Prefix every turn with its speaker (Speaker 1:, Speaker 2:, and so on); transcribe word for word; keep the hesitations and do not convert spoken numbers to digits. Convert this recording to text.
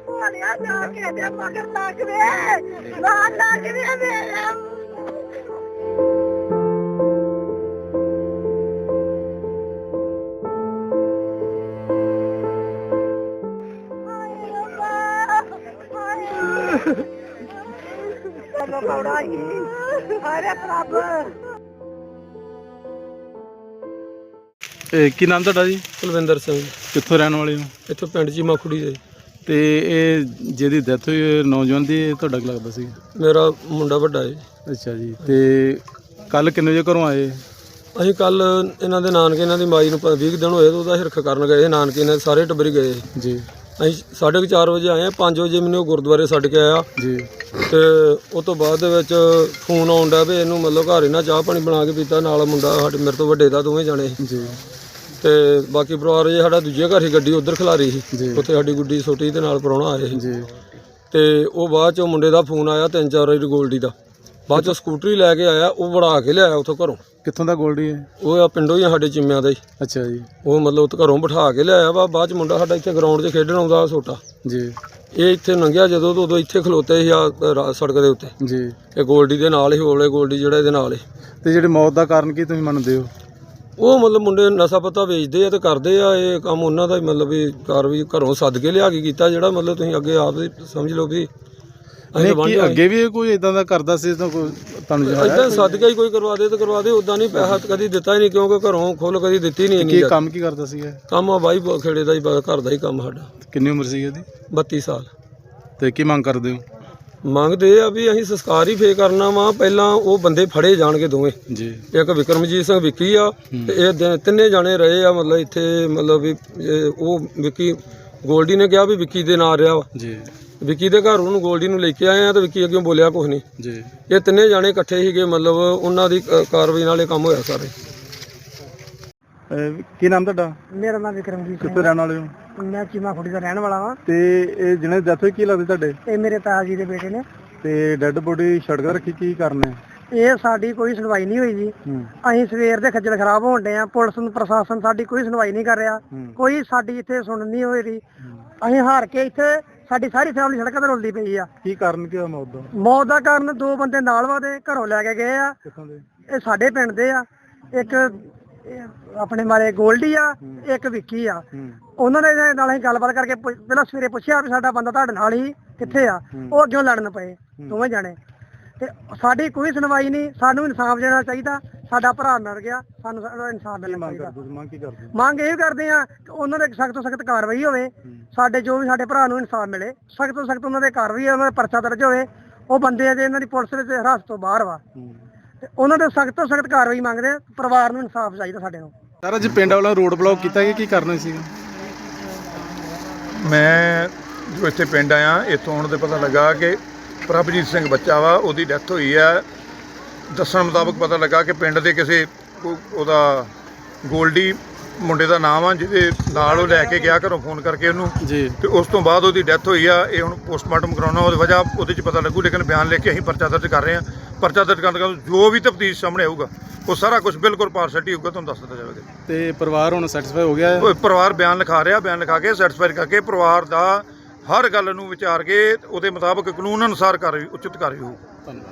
Speaker 1: ਹੋਣਿਆ ਨਾ ਕਿਹਦੇ ਮਗਰ ਲੱਗ ਵੇ ਨਾ ਲੱਗ ਵੇ ਮੇਰੇ
Speaker 2: ਇਹ ਕੀ ਨਾਮ ਤੁਹਾਡਾ ਜੀ?
Speaker 3: ਕੁਲਵਿੰਦਰ ਸਿੰਘ।
Speaker 2: ਕਿੱਥੋਂ ਰਹਿਣ ਵਾਲੇ ਹੋ?
Speaker 3: ਇੱਥੋਂ ਪਿੰਡ ਚੀਮਾ ਖੁੜੀ ਦੇ।
Speaker 2: ਤੇ ਇਹ ਜਿਹਦੀ ਡੈਥ ਹੋਈ ਹੈ ਨੌਜਵਾਨ ਦੀ, ਇਹ ਤੁਹਾਡਾ ਕੀ ਲੱਗਦਾ ਸੀ?
Speaker 3: ਮੇਰਾ ਮੁੰਡਾ ਵੱਡਾ ਹੈ।
Speaker 2: ਅੱਛਾ ਜੀ। ਤੇ ਕੱਲ ਕਿੰਨੇ ਵਜੇ ਘਰੋਂ ਆਏ?
Speaker 3: ਅਸੀਂ ਕੱਲ ਇਹਨਾਂ ਦੇ ਨਾਨਕੇ, ਇਹਨਾਂ ਦੀ ਮਾਈ ਨੂੰ ਵੀਹ ਦਿਨ ਹੋਏ, ਉਹਦਾ ਹਿਰਖ ਕਰਨ ਗਏ ਨਾਨਕੇ, ਇਹਨਾਂ ਸਾਰੇ ਟੱਬਰ ਗਏ
Speaker 2: ਜੀ।
Speaker 3: ਅਸੀਂ ਸਾਢੇ ਕੁ ਚਾਰ ਵਜੇ ਆਏ ਹਾਂ। ਪੰਜ ਵਜੇ ਮੈਨੂੰ ਗੁਰਦੁਆਰੇ ਛੱਡ ਕੇ ਆਇਆ
Speaker 2: ਜੀ।
Speaker 3: ਤੇ ਉਹ ਤੋਂ ਬਾਅਦ ਦੇ ਵਿੱਚ ਫੋਨ ਆਉਣ ਡਿਆ ਵੀ ਇਹਨੂੰ ਮਤਲਬ ਘਰ ਇਹਨਾਂ ਚਾਹ ਪਾਣੀ ਬਣਾ ਕੇ ਪੀਤਾ, ਨਾਲ ਮੁੰਡਾ ਸਾਡੇ ਮੇਰੇ ਤੋਂ ਵੱਡੇ ਦਾ, ਦੋਵੇਂ ਜਾਣੇ
Speaker 2: ਜੀ।
Speaker 3: ਤੇ ਬਾਕੀ ਪਰਿਵਾਰ ਜੇ ਸਾਡਾ ਦੂਜੇ ਘਰ ਹੀ ਗੱਡੀ ਉੱਧਰ ਖਿਲਾਰੀ ਸੀ, ਉੱਥੇ ਸਾਡੀ ਗੁੱਡੀ ਛੋਟੀ ਦੇ ਨਾਲ ਪ੍ਰਾਹੁਣਾ ਆਏ ਸੀ
Speaker 2: ਜੀ।
Speaker 3: ਤੇ ਉਹ ਬਾਅਦ ਚੋਂ ਮੁੰਡੇ ਦਾ ਫੋਨ ਆਇਆ ਤਿੰਨ ਚਾਰ ਵਾਰੀ ਗੋਲਡੀ ਦਾ, ਬਾਅਦ ਚੋਂ ਸਕੂਟਰੀ ਲੈ ਕੇ ਆਇਆ, ਉਹ ਵੜਾ ਕੇ ਲਿਆਇਆ ਉੱਥੋਂ ਘਰੋਂ।
Speaker 2: ਕਿੱਥੋਂ ਦਾ ਗੋਲਡੀ ਹੈ?
Speaker 3: ਉਹ ਆ ਪਿੰਡੋਂ ਹੀ ਆ ਸਾਡੇ ਚਿੰਮਿਆਂ ਦਾ ਹੀ।
Speaker 2: ਅੱਛਾ ਜੀ।
Speaker 3: ਉਹ ਮਤਲਬ ਉੱਥੇ ਘਰੋਂ ਬਿਠਾ ਕੇ ਲਿਆਇਆ ਵਾ। ਬਾਅਦ ਚ ਮੁੰਡਾ ਸਾਡਾ ਇੱਥੇ ਗਰਾਊਂਡ 'ਚ ਖੇਡਣ ਆਉਂਦਾ ਛੋਟਾ
Speaker 2: ਜੀ।
Speaker 3: ਇਹ ਇੱਥੇ ਲੰਘਿਆ ਜਦੋਂ ਤੋਂ ਉਦੋਂ ਇੱਥੇ ਖਲੋਤੇ ਸੀ ਆ ਸੜਕ ਦੇ ਉੱਤੇ
Speaker 2: ਜੀ।
Speaker 3: ਇਹ ਗੋਲਡੀ ਦੇ ਨਾਲ ਹੀ ਹੋਲੇ ਗੋਲਡੀ ਜਿਹੜਾ ਇਹਦੇ ਨਾਲ ਹੀ।
Speaker 2: ਤੇ ਜਿਹੜੀ ਮੌਤ ਦਾ ਕਾਰਨ ਕੀ ਤੁਸੀਂ ਮੰਨਦੇ ਹੋ?
Speaker 3: ਉਹ ਮਤਲਬ ਮੁੰਡੇ ਨਸ਼ਾ ਪਤਾ ਵੇਚਦੇ ਆ ਤੇ ਕਰਦੇ ਆ, ਇਹ ਕੰਮ ਉਹਨਾਂ ਦਾ ਹੀ ਮਤਲਬ ਵੀ ਕਾਰ ਵੀ ਘਰੋਂ ਸੱਦ ਕੇ ਲਿਆ ਕੇ ਕੀਤਾ, ਜਿਹੜਾ ਮਤਲਬ ਤੁਸੀਂ ਅੱਗੇ ਆਪ ਹੀ ਸਮਝ ਲਓ ਵੀ
Speaker 2: ਨਹੀਂ ਕੀ ਅੱਗੇ ਵੀ ਕੋਈ ਇਦਾਂ ਦਾ ਕਰਦਾ ਸੀ ਤਾਂ ਕੋਈ ਤੁਹਾਨੂੰ
Speaker 3: ਇਦਾਂ ਸੱਦ ਕੇ ਹੀ ਕੋਈ ਕਰਵਾ ਦੇ ਤੇ ਕਰਵਾ ਦੇ, ਉਦਾਂ ਨਹੀਂ ਪੈਸਾ ਕਦੀ ਦਿੱਤਾ ਹੀ ਨਹੀਂ, ਕਿਉਂਕਿ ਘਰੋਂ ਖੁੱਲ ਕਦੀ ਦਿੱਤੀ ਨਹੀਂ।
Speaker 2: ਕੀ ਕੰਮ ਕੀ ਕਰਦਾ ਸੀਗਾ?
Speaker 3: ਕੰਮ ਆ ਬਾਈ ਖੇੜੇ ਦਾ ਹੀ, ਘਰ ਦਾ ਹੀ ਕੰਮ ਸਾਡਾ।
Speaker 2: ਕਿੰਨੀ ਉਮਰ ਸੀ ਇਹਦੀ?
Speaker 3: ਬੱਤੀ ਸਾਲ।
Speaker 2: ਤੇ ਕੀ ਮੰਗ ਕਰਦੇ ਹੋ?
Speaker 3: ਮੰਗਦੇ ਆ ਵੀ ਅਸੀਂ ਸੰਸਕਾਰ ਹੀ ਫੇਰ ਕਰਨਾ ਵਾ, ਪਹਿਲਾਂ ਉਹ ਬੰਦੇ ਫੜੇ ਜਾਣਗੇ ਦੋਵੇਂ
Speaker 2: ਜੀ।
Speaker 3: ਇੱਕ ਵਿਕਰਮਜੀਤ ਸਿੰਘ ਵਿੱਕੀ ਆ ਤੇ ਇਹ ਤਿੰਨੇ ਜਾਣੇ ਰਹੇ ਆ ਮਤਲਬ ਇੱਥੇ, ਮਤਲਬ ਵੀ ਉਹ ਵਿੱਕੀ ਗੋਲਡੀ ਨੇ ਕਿਹਾ ਵੀ ਵਿੱਕੀ ਦੇ ਨਾਲ ਰਿਹਾ ਵਾ
Speaker 2: ਜੀ।
Speaker 3: ਵਿੱਕੀ ਦੇ ਘਰ ਉਹਨੂੰ ਗੋਲਡੀ ਨੂੰ ਲੈ ਕੇ ਆਏ ਆ ਤੇ ਵਿੱਕੀ ਅੱਗੇ ਬੋਲਿਆ ਕੁਛ ਨਹੀਂ
Speaker 2: ਜੀ।
Speaker 3: ਇਹ ਤਿੰਨੇ ਜਾਣੇ ਇਕੱਠੇ ਸੀਗੇ, ਮਤਲਬ ਉਹਨਾਂ ਦੀ ਕਾਰਵਾਈ ਨਾਲ ਇਹ ਕੰਮ ਹੋਇਆ ਸਾਰੇ।
Speaker 2: ਕੀ ਨਾਮ ਤੁਹਾਡਾ?
Speaker 1: ਮੇਰਾ ਨਾਮ ਵਿਕਰਮਜੀਤ ਸਿੰਘ।
Speaker 2: ਕਿੱਥੋਂ ਰਹਿਣ ਵਾਲੇ ਹੋ?
Speaker 1: ਮੈਂ ਚੀਮਾ ਖੁੜੀ ਦਾ ਰਹਿਣ ਵਾਲਾ ਵਾਂ।
Speaker 2: ਤੇ ਇਹ ਜਿਹਨੇ ਡੈਥ ਹੋਈ ਕੀ ਲੱਗਦੇ ਤੁਹਾਡੇ?
Speaker 1: ਇਹ ਮੇਰੇ ਤਾਇਆ ਜੀ ਦੇ ਬੇਟੇ ਨੇ।
Speaker 2: ਤੇ ਡੈੱਡ ਬੋਡੀ ਸੜਕ ਤੇ ਰੱਖੀ, ਕੀ ਕਰਨਾ?
Speaker 1: ਇਹ ਸਾਡੀ ਕੋਈ ਸੁਣਵਾਈ ਨਹੀਂ ਹੋਈ ਜੀ। ਅਸੀਂ ਸਵੇਰ ਦੇ ਖੱਜਲ ਖਰਾਬ ਹੋਣ ਡਏ ਆ, ਪੁਲਿਸ ਨੂੰ ਪ੍ਰਸ਼ਾਸਨ ਸਾਡੀ ਕੋਈ ਸੁਣਵਾਈ ਨਹੀਂ ਕਰ ਰਿਹਾ, ਕੋਈ ਸਾਡੀ ਇੱਥੇ ਸੁਣ ਨਹੀਂ ਹੋਈ ਰਹੀ। ਅਸੀਂ ਹਾਰ ਕੇ ਇੱਥੇ ਸਾਡੀ ਸਾਰੀ ਫੈਮਿਲੀ ਸੜਕਾਂ ਤੇ ਰੁਲਦੀ ਪਈ ਆ।
Speaker 2: ਕੀ ਕਾਰਨ ਕੀ ਹੋਇਆ ਮੌਤ ਦਾ?
Speaker 1: ਮੌਤ ਦਾ ਕਾਰਨ ਦੋ ਬੰਦੇ ਨਾਲ ਵਾਦੇ ਘਰੋਂ ਲੈ ਕੇ ਗਏ ਆ।
Speaker 2: ਕਿੱਥੋਂ ਦੇ?
Speaker 1: ਇਹ ਸਾਡੇ ਪਿੰਡ ਦੇ ਆ। ਇੱਕ ਆਪਣੇ ਮਾਰੇ ਗੋਲਡੀ ਆ, ਇੱਕ ਵਿੱਕੀ ਆ। ਉਹਨਾਂ ਦੇ ਨਾਲ ਅਸੀਂ ਗੱਲਬਾਤ ਕਰਕੇ ਪਹਿਲਾਂ ਸਵੇਰੇ ਪੁੱਛਿਆ ਵੀ ਸਾਡਾ ਬੰਦਾ ਤੁਹਾਡੇ ਨਾਲ ਹੀ ਕਿੱਥੇ ਆ, ਉਹ ਅੱਗੇ ਲੜਨ ਪਏ ਦੋਵੇਂ ਜਾਣੇ। ਤੇ ਸਾਡੀ ਕੋਈ ਸੁਣਵਾਈ ਨਹੀਂ, ਸਾਨੂੰ ਇਨਸਾਫ ਦੇਣਾ ਚਾਹੀਦਾ। ਸਾਡਾ ਭਰਾ ਮਰ ਗਿਆ, ਸਾਨੂੰ ਇਨਸਾਫ ਮਿਲਣਾ ਚਾਹੀਦਾ।
Speaker 2: ਮੰਗ ਕੀ ਕਰਦੇ?
Speaker 1: ਮੰਗ ਇਹ ਕਰਦੇ ਆ ਕਿ ਉਹਨਾਂ ਦੇ ਸਖਤ ਤੋਂ ਸਖਤ ਕਾਰਵਾਈ ਹੋਵੇ, ਸਾਡੇ ਜੋ ਵੀ ਸਾਡੇ ਭਰਾ ਨੂੰ ਇਨਸਾਫ ਮਿਲੇ, ਸਖਤ ਤੋਂ ਸਖਤ ਉਹਨਾਂ ਦੇ ਕਾਰਵਾਈ, ਉਹਨਾਂ ਦਾ ਪਰਚਾ ਦਰਜ ਹੋਵੇ। ਉਹ ਬੰਦੇ ਆ ਜੇ ਇਹਨਾਂ ਦੀ ਪੁਲਿਸ ਵਿੱਚ ਹਿਰਾਸਤ ਤੋਂ ਬਾਹਰ ਵਾ, ਤੇ ਉਹਨਾਂ ਦੇ ਸਖਤ ਤੋਂ ਸਖਤ ਕਾਰਵਾਈ ਮੰਗਦੇ ਆ। ਪਰਿਵਾਰ ਨੂੰ ਇਨਸਾਫ ਚਾਹੀਦਾ ਸਾਡੇ ਨੂੰ।
Speaker 2: ਸਰ ਅੱਜ ਪਿੰਡ ਵਾਲਾ ਰੋਡ ਬਲੌਕ ਕੀਤਾ ਗਿਆ, ਕੀ ਕਰਨਾ ਸੀ?
Speaker 4: ਮੈਂ ਜੋ ਇੱਥੇ ਪਿੰਡ ਆਇਆ, ਇੱਥੋਂ ਆਉਣ ਤੇ ਪਤਾ ਲੱਗਾ ਕਿ ਪ੍ਰਭਜੀਤ ਸਿੰਘ ਬੱਚਾ ਵਾ, ਉਹਦੀ ਡੈਥ ਹੋਈ ਹੈ। ਦੱਸਣ ਮੁਤਾਬਕ ਪਤਾ ਲੱਗਾ ਕਿ ਪਿੰਡ ਦੇ ਕਿਸੇ ਉਹਦਾ ਗੋਲਡੀ ਮੁੰਡੇ ਦਾ ਨਾਮ ਆ, ਜਿਹਦੇ ਨਾਲ ਉਹ ਲੈ ਕੇ ਗਿਆ ਘਰੋਂ ਫੋਨ ਕਰਕੇ ਉਹਨੂੰ
Speaker 2: ਜੀ।
Speaker 4: ਤੇ ਉਸ ਤੋਂ ਬਾਅਦ ਉਹਦੀ ਡੈਥ ਹੋਈ ਆ। ਇਹ ਹੁਣ ਪੋਸਟਮਾਰਟਮ ਕਰਾਉਣਾ, ਉਹਦੀ ਵਜ੍ਹਾ ਉਹਦੇ 'ਚ ਪਤਾ ਲੱਗੂ, ਲੇਕਿਨ ਬਿਆਨ ਲਿਖ ਕੇ ਅਸੀਂ ਪਰਚਾ ਦਰਜ ਕਰ ਰਹੇ ਹਾਂ। ਪਰਚਾ ਦਰਜ ਕਰਨ ਦਾ ਜੋ ਵੀ ਤਫਤੀਸ਼ ਸਾਹਮਣੇ ਆਊਗਾ ਉਹ ਸਾਰਾ ਕੁਝ ਬਿਲਕੁਲ ਪਾਰਸ਼ੈਲਿਟੀ ਹੋਊਗਾ, ਤੁਹਾਨੂੰ ਦੱਸ ਦਿੱਤਾ ਜਾਵੇਗਾ।
Speaker 2: ਤੇ ਪਰਿਵਾਰ ਹੁਣ ਸੈਟੀਸਫਾਈ ਹੋ ਗਿਆ?
Speaker 4: ਪਰਿਵਾਰ ਬਿਆਨ ਲਿਖਾ ਰਿਹਾ, ਬਿਆਨ ਲਿਖਾ ਕੇ ਸੈਟੀਸਫਾਈ ਕਰਕੇ ਪਰਿਵਾਰ ਦਾ ਹਰ ਗੱਲ ਨੂੰ ਵਿਚਾਰ ਕੇ ਉਹਦੇ ਮੁਤਾਬਕ ਕਾਨੂੰਨ ਅਨੁਸਾਰ ਕਾਰਵਾਈ, ਉਚਿਤ ਕਾਰਵਾਈ ਹੋਊ।
Speaker 2: ਧੰਨਵਾਦ।